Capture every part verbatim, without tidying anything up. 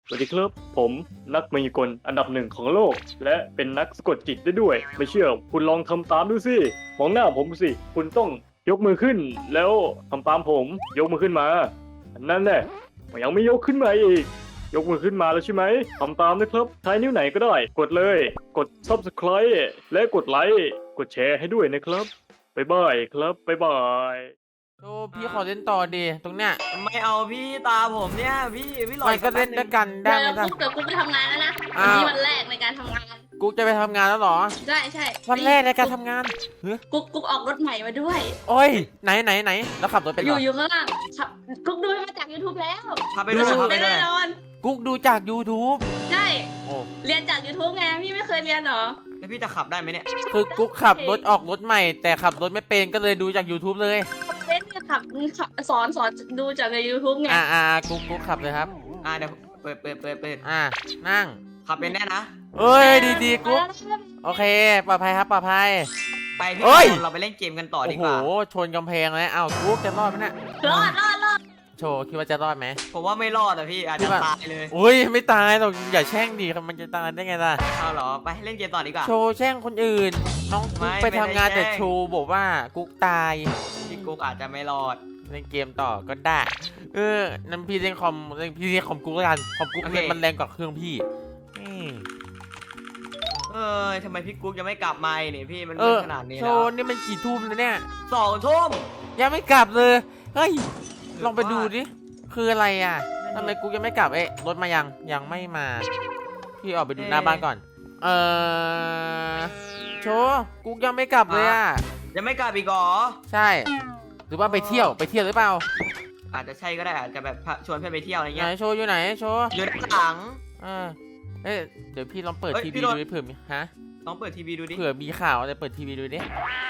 สวัสดีครับผมนักมายากลอันดับหนึ่งของโลก และเป็นนักสะกดจิตได้ด้วย ไม่เชื่อคุณลองทำตามดูสิมองหน้าผมสิคุณต้องยกมือขึ้น แล้วทำตามผมยกมือขึ้นมานั่นแหละยังไม่ยกขึ้นมาอีกยกมือขึ้นมาแล้วใช่ไหมทำตามนะครับใช้นิ้วไหนก็ได้ กดเลยกด ซับสไครบ์ และกดไลค์กดแชร์ให้ด้วยนะครับบ๊ายบายครับบ๊ายบายโอ้พี่ขอเล่นต่อดีตรงเนี้ยไม่เอาพี่ตาผมเนี่ยพี่พี่ลอมัยนก็เล่นด้วยกันได้เดี๋ยวไหมจ๊ะกุ๊กเดี๋ยวกุ๊กไปทำงานแล้วนะอ้าววันนี้วันแรกในการทำงานกูจะไปทำงานแล้วเหรอใช่ใช่วันแรกในการทำงานเฮ้ยกุ๊กกุ๊กออกรถใหม่มาด้วยโอ้ยไหนไหนไหนแล้วขับรถเป็นอเหรยู่ออยู่ข้างล่างครับกุ๊กดูมาจาก YouTube แล้วพาไปด้วยพาไปได้ด้วยแน่นอนกุ๊กดูจาก YouTube ใช่โอ้เรียนจาก YouTube ไงพี่ไม่เคยเรียนเหรอแล้วพี่จะขับได้ไหมเนี่ยคือกุ๊กขับรถออกรถใหม่ แต่ขับรถไม่เป็นก็เลยดูจาก YouTube เลยเล่นเนี่ยขับขับสอนสอนดูจากใน YouTube ไงอ่าอ่ากุ๊กกุ๊กขับเลยครับอ่าเดี๋ยวเปิดเปิดเปิดเปิดอ่านั่งขับเป็นแน่นะเอ้ยดีดีๆกุ๊กโอเคปลอดภัยครับปลอดภัยไปพี่เอ้ยเราไปเล่นเกมกันต่อโอ้ดีโหกว่าชนกำแพงเลยอ้าวกุ๊กจะรอดไหมเนี่ยรอดรอดรอดโชว์คิดว่าจะรอดไหมผมว่าไม่รอดอ่ะพี่อาจคิจะดว่าตายเลยอุ้ยไม่ตายหรอกอย่าแช่งดิมันจะตายได้ไงล่ะเอาเหรอไปเล่นเกมต่อดีกว่าโชว์แช่งคนอื่น น้องกุ๊กไม่ไปไม่ได้ทำงานแต่แช่งโชว์บอกว่ากุ๊กตายพี่กุ๊กอาจจะไม่รอดเล่นเกมต่อก็ได้ เออนั่นพี่เล่นคอมเล่นพี่เล่นคอมกุ๊กแล้วกันคอมกุ๊กโอเคมันแรงกว่าเครื่องพี่นี่เออทำไมพี่กุ๊กยังไม่กลับมาอีกนี่พี่มันเอมืดอขนาดนี้โชแล้วว์นี่มันกี่ทุ่มแล้วเนี่ยสองทุ่มยังไม่กลับเลยเฮ้ยหรือลองไปดูว่าดิคืออะไรอ่ะนั่นดิทำไมกุ๊กยังไม่กลับเอ๊ะรถมายังยังไม่มา พี่ออกไปดูเอ๊ะหน้าบ้านก่อน เออโชว์กุ๊กยังไม่กลับเลยอ่ะยังไม่กลับอีกเหรอใช่ หรือว่าไปเที่ยวไปเที่ยวหรือเปล่าอาจจะใช่ก็ได้อาจจะแบบชวนเพื่อนไปเที่ยวอะไรไหนเงี้ยโชว์อยู่ไหนโชว์อยู่ด้านหลังเออเอ๊ะเดี๋ยวพี่ลองเปิดเอ้ยทีพี่วีโดดูนดิเผื่อมีฮะลองเปิดทีวีดูดิเผื่อมีข่าวอะไรเปิดทีวีดูดิ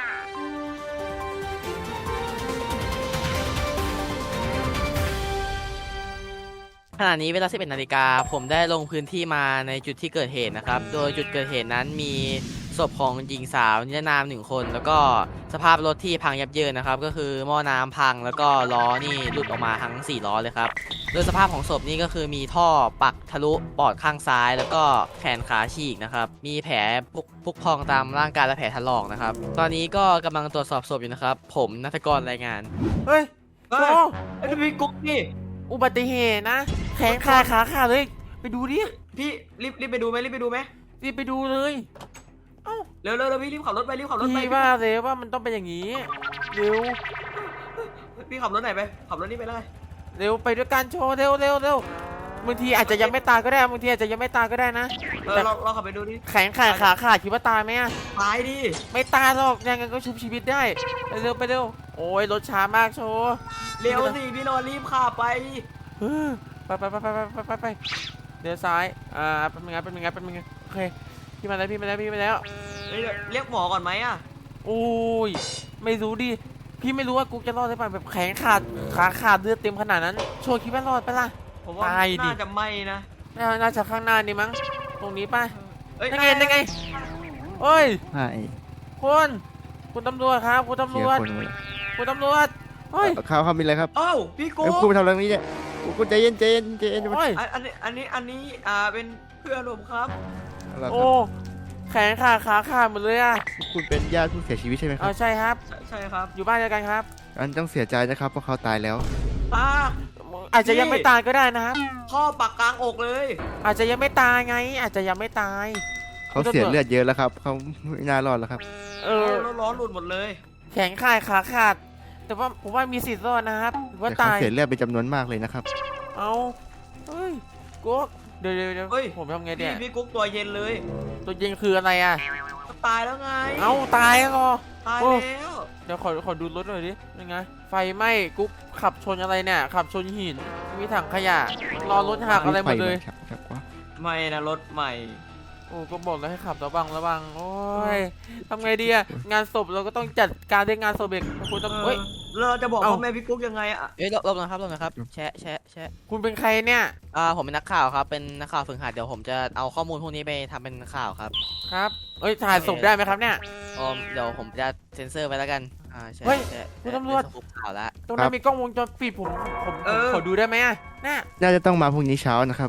ขณะนี้เวลา สิบเอ็ด นาฬิกาผมได้ลงพื้นที่มาในจุดที่เกิดเหตุนะครับ โดยจุดเกิดเหตุนั้นมีศพของหญิงสาวนิรนามหนึ่งคน แล้วก็สภาพรถที่พังยับเยินนะครับ ก็คือหม้อน้ำพังแล้วก็ล้อนี่หลุดออกมาทั้งสี่ล้อเลยครับ โดยสภาพของศพนี่ก็คือมีท่อปักทะลุปอดข้างซ้าย แล้วก็แขนขาฉีกนะครับ มีแผลพุกพุกพองตามร่างกายและแผลถลอกนะครับ ตอนนี้ก็กำลังตรวจสอบศพอยู่นะครับ ผมนัทกรรายงานเฮ้ยเฮ้โชยว์ไอ้ยพี่กุ๊กนี่อุบัติเหตุนะ แขนขาขาขาดเลย ไปดูดิพี่รีบรีบไปดูไหมรีบไปดูไหมรีบไปดูเลยเร็วเร็วเร็วพี่รีบขับรถไปรีบขับรถไปพี่ว่าเลยว่ามันต้องเป็นอย่างนี้ เร็วพี่ขับรถไหนไปขับรถนี่ไปเลยเร็วไปด้วยกันโชว์เร็วเร็วเร็วบางทีอาจจะยังไม่ตายก็ได้บางทีอาจจะยังไม่ตายก็ได้นะเออเราเราขับไปดูดิแขนขาขาขาดคิดว่าตายไหมอะตายดิไม่ตายหรอกยังไงก็ชุบชีวิตได้ไปเร็วไปเร็วโอ้ยรถช้ามากโชว์เร็วสิพี่นอนรีบขับไปเออไปไปไปไปไปไปไปเดี๋ยวซ้ายอ่าเป็นยังไงเป็นยังไงเป็นยังไงโอเคพี่มาแล้วพี่มาแล้วพี่มาแล้วเฮ้ยเรียกหมอก่อนไหมอ่ะโอ้ยไม่รู้ดิพี่ไม่รู้ว่ากูจะรอดได้ป่ะแบบแขนขาดขาขาดเลือดเต็มขนาดนั้นโชว์คิดว่ารอดปะล่ะผมว่าตายดิน่าจะไม่นะน่าน่าจะข้างหน้านี่มั้งตรงนี้ป่ะเอ้ยยังไงยังไงโอ้ยใช่คุณคุณตำรวจครับคุณตำรเชียวจร์คนหมดเลยคุณตำรวจเฮ้ยข้าวข้าวมีอะไรครับเอ้าพี่กุ๊เอ้ยกคุณไปทำอะไรตรงนี้เนี่ยคุณใจเย็นใจเย็นใจเย็นจะมาโอ้ยอันอันนี้อันนี้อันนี้อ่าเป็นเพื่อนผมครับอะไรคโอ้รับแขนขาขาขาดหมดเลยอ่ะคุณเป็นญาติผู้เสียชีวิตใช่ไหมคเอารับใช่ครับใช่ใช่ครับอยู่บ้านเดียวกันครับอันต้องเสียใจนะครับเพราะเขาตายแล้วอ่าอาจจะยังนี่ไม่ตายก็ได้นะครับพ่อปักกลางอกเลยอาจจะยังไม่ตายไง อาจจะยังไม่ตายเขาเสียเลือดเยอะแล้วครับเขาไม่น่ารอดแล้วครับเอเอออแล้วล้อหลุดหมดเลยแขนขาดขาขาด แต่ว่าผมว่ามีสิทธิ์รอดนะครับหรือว่าแต่เขาตายเสียเลือดเป็นจำนวนมากเลยนะครับเอาเฮ้ยกุ๊กเดี๋ยวเดี๋ยวเดี๋ยวเฮ้ยผมทำไงพี่เนี่ยพี่กุ๊กตัวเย็นเลยตัวจริงคืออะไรอ่ะก็ตายแล้วไงเอาตายแล้วเหรอตายโอ้แล้วเดี๋ยวขอขอดูรถหน่อยดิยังไง ไฟไหม้กุ๊กขับชนอะไรเนี่ย ขับชนหิน มีถังขยะ รอรถหักอะไรหมดเลยไฟนชักว่าไม่นะรถใหม่โอ้ก็บอกแล้วให้ขับระวังระวัง โอ้ยทำไงดีอะงานศพเราก็ต้องจัดการเรื่องงานศพเองคุณต้องเออเฮ้ยเราจะบอกเอ้าพ่อแม่พี่กุ๊กยังไงอะเอ้ยลบๆนะครับลบนะครับแชะแชะแชะคุณเป็นใครเนี่ยอ่าผมเป็นนักข่าวครับ เป็นนักข่าวฝึกหัดเดี๋ยวผมจะเอาข้อมูลพวกนี้ไปทำเป็นข่าวครับครับเอ้ยถ่ายศพได้ไหมครับเนี่ยอ๋อเดี๋ยวผมจะเซ็นเซอร์ไว้แล้วกัน อ่าแชะเฮ้ยแชะคุณตำรวจเป็นสกู๊ปข่าวละตรงนั้นมีกล้องวงจรปิดผมผมผมขอดูได้ไหมอะน่ะน่าจะต้องมาพรุ่งนี้เช้านะครับ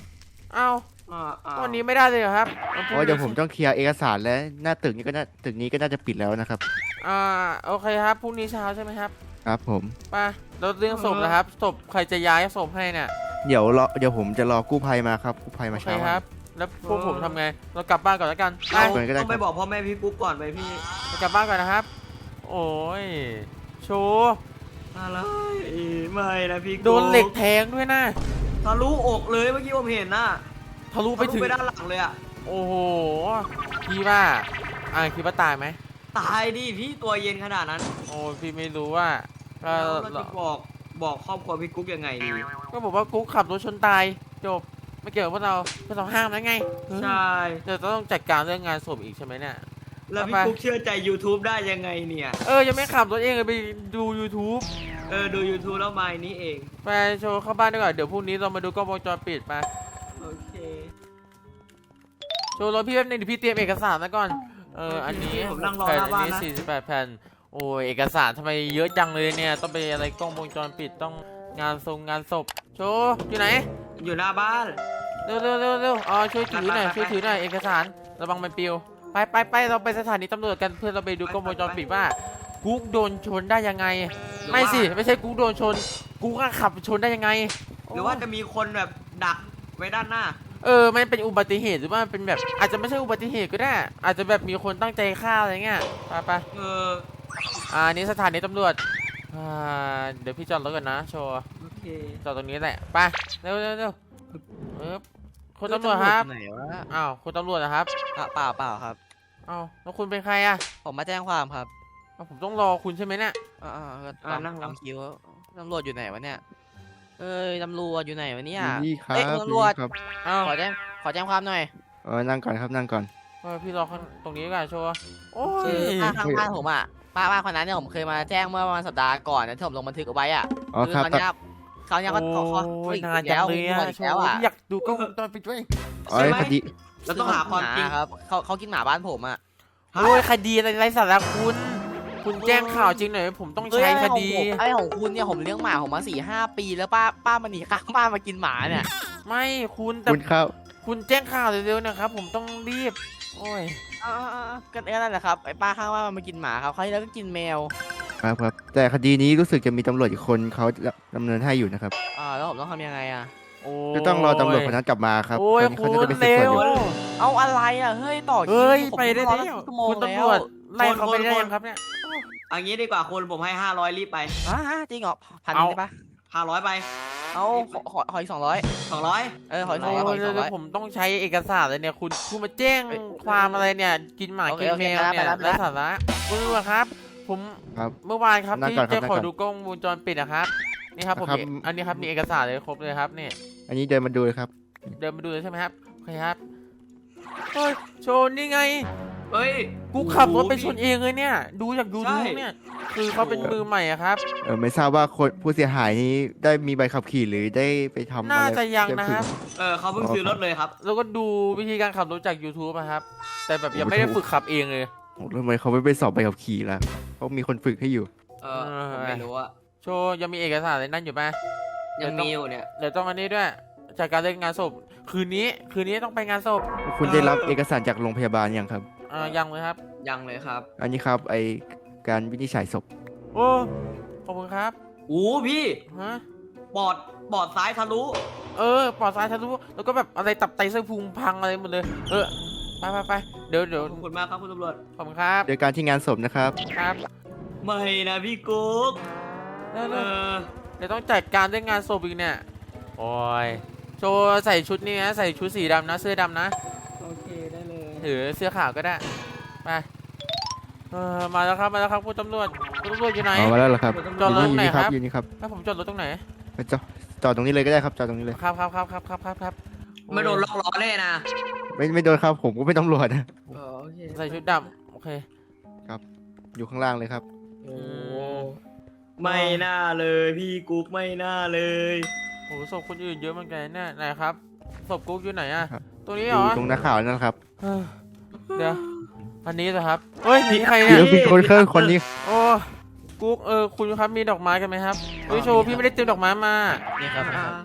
เอ้าอ่าอ่าวันนี้ไม่ได้เลยเหรอครับเพราะเดี๋ยวผมต้องเคลียร์เอกสารและหน้าตึกนี้ก็น่าตึกนี้ก็น่าจะปิดแล้วนะครับอ่าโอเคครับพรุ่งนี้เช้าใช่ไหมครับครับผมไปแล้วเรื่องศพนะครับศพใครจะย้ายศพให้เนี่ยเดี๋ยวรอเดี๋ยวผมจะรอกู้ภัยมาครับกู้ภัยโอมาเคเช้าครับ แล้วพวกผมทำไงเรากลับบ้านก่อนแล้วกันไปเราก่อนก็ได้ต้องไปครับบอกพ่อแม่พี่กุ๊กก่อนไปพี่เรากลับบ้านก่อนนะครับ โอ้ยโชว์อะไรไม่นะพี่กุ๊กโดนเหล็กแทงด้วยนะทะลุอกเลยเมื่อกี้ผมเห็นน่ะทะลุไปทะลุถึงไปด้านหลังเลยอะโอ้โหพี่ว่าอ่าคิดว่าตายไหมตายดิพี่ตัวเย็นขนาดนั้นโอ้พี่ไม่รู้ว่าก็แล้วเราจะบอกบอกครอบครัวพี่กุ๊กยังไงดีก็บอกว่ากุ๊กขับรถชนตายจบไม่เกี่ยวกับพวกเราพวกเราห้ามแล้วไงใช่เดี๋ยวต้องจัดการเรื่องงานศพอีกใช่ไหมเนี่ยแล้วพี่ไปกุ๊กเชื่อใจ YouTube ได้ยังไงเนี่ยเออยังไม่ขับรถเองเลยไปดู YouTube เออดู YouTube แล้วมานี้เองไปโชว์เข้าบ้านดีกว่าเดี๋ยวพรุ่งนี้เรามาดูกล้องวงจรปิดมาโอเคโชว์รถพี่แป๊บนึงเดี๋ยวพี่เตรียมเอกสารแล้วก่อนเอออันนี้ผมนั่งรอแผ่นหน้าอันบ้านนี้นะสี่สิบแปดแผ่นโอ้ยเอกสารทำไมเยอะจังเลยเนี่ยต้องไปอะไรกล้องวงจรปิดต้องงานทรงงานศพโชว์อยู่ไหนอยู่หน้าบ้านเร็วเร็วเร็วเร็วอ๋อช่วยถือหน่อยไปไปไปช่วยถือหน่อยเอกสารระวังมันปลิวไปไปไปเราไปสถานีตำรวจกันเพื่อเราไปดูกล้องวงจรปิดว่ากุ๊กโดนชนได้ยังไง ไม่สิไม่ใช่กุ๊กโดนชนกุ๊กอะขับชนได้ยังไงหรือว่าจะมีคนแบบดักไว้ด้านหน้าเออมันเป็นอุบัติเหตุหรือว่ามันเป็นแบบอาจจะไม่ใช่อุบัติเหตุก็ได้ อาจจะแบบมีคนตั้งใจฆ่าอะไรเงี้ยไปไปเอออ่านี่สถานีตำรวจอ่าเดี๋ยวพี่จอดรถก่อนนะโชว์โอเคจอดตรงนี้แหละไปเร็วเร็วเร็วเออคุณตำรวจครับไหนวะอ้าวคุณตำรวจนะครับอ่ะเปล่าเปล่าครับอ้าวแล้วคุณเป็นใครอะผมมาแจ้งความครับอ้าวผมต้องรอคุณใช่ไหมเนี่ยอ่าๆก็อ่าตามนั่งรอตามคิวตำรวจอยู่ไหนวะเนี่ยเอ้ยตำรวจอยู่ไหนวะเนี่ยอยู่นี่ครับเอ้ยอยู่ตำรวจนี่ครับอ้าวขอแจ้งขอแจ้งความหน่อยเออนั่งก่อนครับนั่งก่อนเออพี่รอข้างตรงนี้ก่อนโชว์โอ้ยคือป้าข้างบ้านผมอ่ะป้าป้าคนนั้นเนี่ยผมเคยมาแจ้งเมื่อประมาณสัปดาห์ก่อนนะที่ผมลงบันทึกเอาไว้อ่ะอ๋อครับคือคราวเนี้ยคราวเนี้ยก็เขาเขาโอ้ยอีกนานจัแล้งวเลยมีอะหมดอีกโชแล้วว์อ่ะพี่อยากดูกล้องวงจรปิดด้วยอ๋อคดีเราต้องหาความจริงหครับเขาเขากินหมาบ้านผมอ่ะโอ้ยคดีอะไรไร้สาระคุณ คุณแจ้งข่าวจริงหน่อยผมต้องใช้คดีไอ้ของคุณเนี่ยผมเลี้ยงหมาผมมาสี่ห้าปีแล้วป้าป้ามันหนีข้างบ้านมากินหมาเนี่ยไม่คุณแต่คุณครับคุณแจ้งข่าวเร็วๆนะครับ ผมต้องรีบ โอ้ยอ่าๆๆก็นั่นแหละครับไอ้ป้าข้างบ้านมันมากินหมาครับเขาวที่แล้วก็กินแมวครับครับแต่คดีนี้รู้สึกจะมีตำรวจอีกคนเขาดำเนินให้อยู่นะครับอ่าแล้วผมต้องทำยังไงอ่ะโอ้จะต้องรอตำรวจคนนั้นกลับมาครับโอ้ยตอนนี้คุเขาณจะไปสืบเร็สวนวอยู่เอาอะไรอ่ะเฮ้ยต่อคิวเฮ้ยผมไปได้รอแล้ตั้วงชั่วโมงคุณแล้ตำรววจไล่เขาไปได้คนๆยังครับเนี่ยอันนี้ดีกว่าคุณผมให้ห้าร้อยรีบไปอ่าจริงเหรอพันเอาได้ปะห้าร้อยไปเอาขอขอขออีกสองร้อยสองร้อยเออขออีกสโอ้องร้อยขออีกสองยแล้ร้อวย ผมต้องใช้เอกสารเลยเนี่ยคุณคุณมาแจ้งเอ้ยความอะไรเนี่ยกินหมาโอเคกินโอเคแมวเนี่ยไปแล้วไปแล้วไร้สาระคุณตำรวจครับ ผมครับเมื่อวานครับนั่งที่ก่อนครับจะนั่งขก่ออนดูกล้องวงจรปิดนะครับนี่ครับผมครับมีอันนี้ครับมีเอกสารเลยครบเลยครับนี่อันนี้เดินมาดูเลยครับเดินมาดูเลยใช่ไหมครับโอเคครับเฮ้ยโชว์นี่ไงเฮ้ยกูขับรถไปโอ้โหชนเองเลยเนี่ย ดูจากยูทูบใช่เนี่ยคือเขาเป็นมือใหม่อะครับเออไม่ทราบว่าคนผู้เสียหายนี้ได้มีใบขับขี่หรือได้ไปทำอะไรน่าจะยังนะครับเออเขาเพิ่งซื้อรถเลยครับแล้วก็ดูวิธีการขับรถจาก YouTube อะครับ แต่แบบยังไม่ได้ฝึกขับเองเลยโอ้ทำไมเขาไม่ไปสอบใบขับขี่ล่ะเขามีคนฝึกให้อยู่เออผมไม่รู้อะโชว์ยังมีเอกสารอะไรนั่นอยู่ปะยังมีอยู่เนี่ยเดี๋ยวต้องอันนี้ด้วยจากการเล่นงานศพคืนนี้คืนนี้ต้องไปงานศพคุณได้รับเอกสารจากโรงพยาบาลยังครับอ่ายังเลยครับยังเลยครับอันนี้ครับไอการวินิจฉัยศพโอ้ขอบคุณครับโอ้พี่ฮะบอดบอดซ้ายทะลุเออปอดซ้ายทะลุแล้วก็แบบอะไรตับไตไส้พุงพังอะไรหมดเลย เออไปไปไปเดี๋ยวเดี๋ยวขอบคุณมากครับคุณตำรวจขอบคุณครับโดยการที่งานศพนะครับครับไม่นะพี่กุ๊กเร็วเอๆอเดี๋ยวต้องจัดการเรื่องงานศพอีกเนี่ย โอ้ย โจใส่ชุดนี้นะใส่ชุดสีดำนะ เสื้อดำนะโอเคได้เลยหรือเสื้อขาวก็ได้ ไปเออมาแล้วครับมาแล้วครับคุณตำรวจคุณตำรวจอยู่ไหนเอามาแล้วเหรอครับจอดรถอยู่ไหนนี่ครับอยู่นี่ครับให้ผมจอดรถตรงไหนไปจอดจอดตรงนี้เลยก็ได้ครับจอดตรงนี้เลยครับครับครับครับครับครับครับไม่โดนล็อกล้อแน่นะไม่ไม่โดนครับผมก็ไม่ตำรวจนะเออโอเคใส่ชุดดำโอเคอยู่ข้างล่างเลยครับโอ้ไม่น่าเลยพี่กุ๊กไม่น่าเลยโอ้ศพคนอื่นเยอะเหมือนกันเนี่ยไหนครับศพกุ๊กอยู่ไหนอะครับตัวนี้อเหรยู่อตรงหน้าข่าวนั่นแหละครับเฮ้ยเดี๋ยวอันนี้เหรอครับเฮ้ยนี่ใครเดี๋เนี่ยยวมีคนเครื่องคนนี้โอ้กุ๊กเออคุณครับมีดอกไม้กันไหมครับเฮ้ยโชว์พี่ไม่ได้เตรียมดอกไม้มานี่ครับอ่า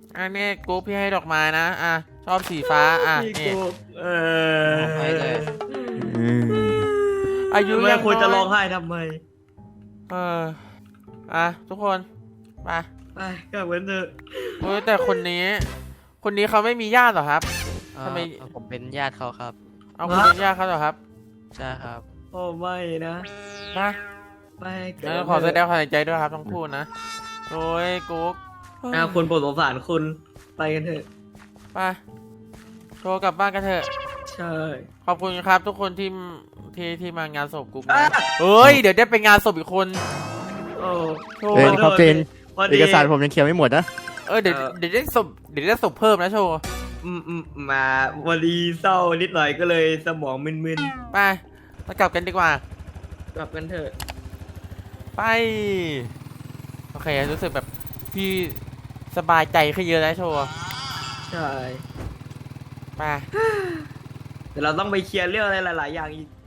อันนี้กูพี่ให้ดอกไม้นะอ่ะชอบสีฟ้าอ่ะพี่นี่กุ๊กเออให้เลยอืมอายุทำไมยังควรจะน้ยร้องไห้ทำไมเอออ่ะทุกคนไปไปกลับกันเถอะโอ้ยแต่คนนี้ คนนี้เขาไม่มีญาติเหรอครับเอ่อทำไมผมเป็นญาติเขาครับเอาคุณเป็นญาติเขาเหรอครับใช่ครับโอ้ไม่นะมาไปกเอลัอบ ขอแสดงความเสียใจด้วยครับทั้งคู่นะโอ้ยกุ๊กอ่ะคุณโปรดสงสารคุณไปกันเถอะไปโทรกลับบ้านกันเถอะใช่ขอบคุณครับทุกคนที่ที่ที่มางานศพกุ๊กนะเฮ้ยเดี๋ยวได้ไปงานศพอีกคนโอ้โชเออว์ครับเจนพอเอดีกสารผมยังเคลียร์ไม่หมดนะเออเดี๋ยวเออเดี๋ยวได้ศพเดี๋ยวได้ศพเพิ่มนะโชว์อืมอืมมาวันดีเศร้านิดหน่อยก็เลยสมองมึนไปมากลับกันดีกว่าๆกลับกันเถอะไปโอเครู้สึกแบบพี่สบายใจขึ้นเยอะแล้วโชว์ใช่ไปแต่เราต้องไปเคลียร์เรื่องอะไรหลาย ๆ อย่างอีก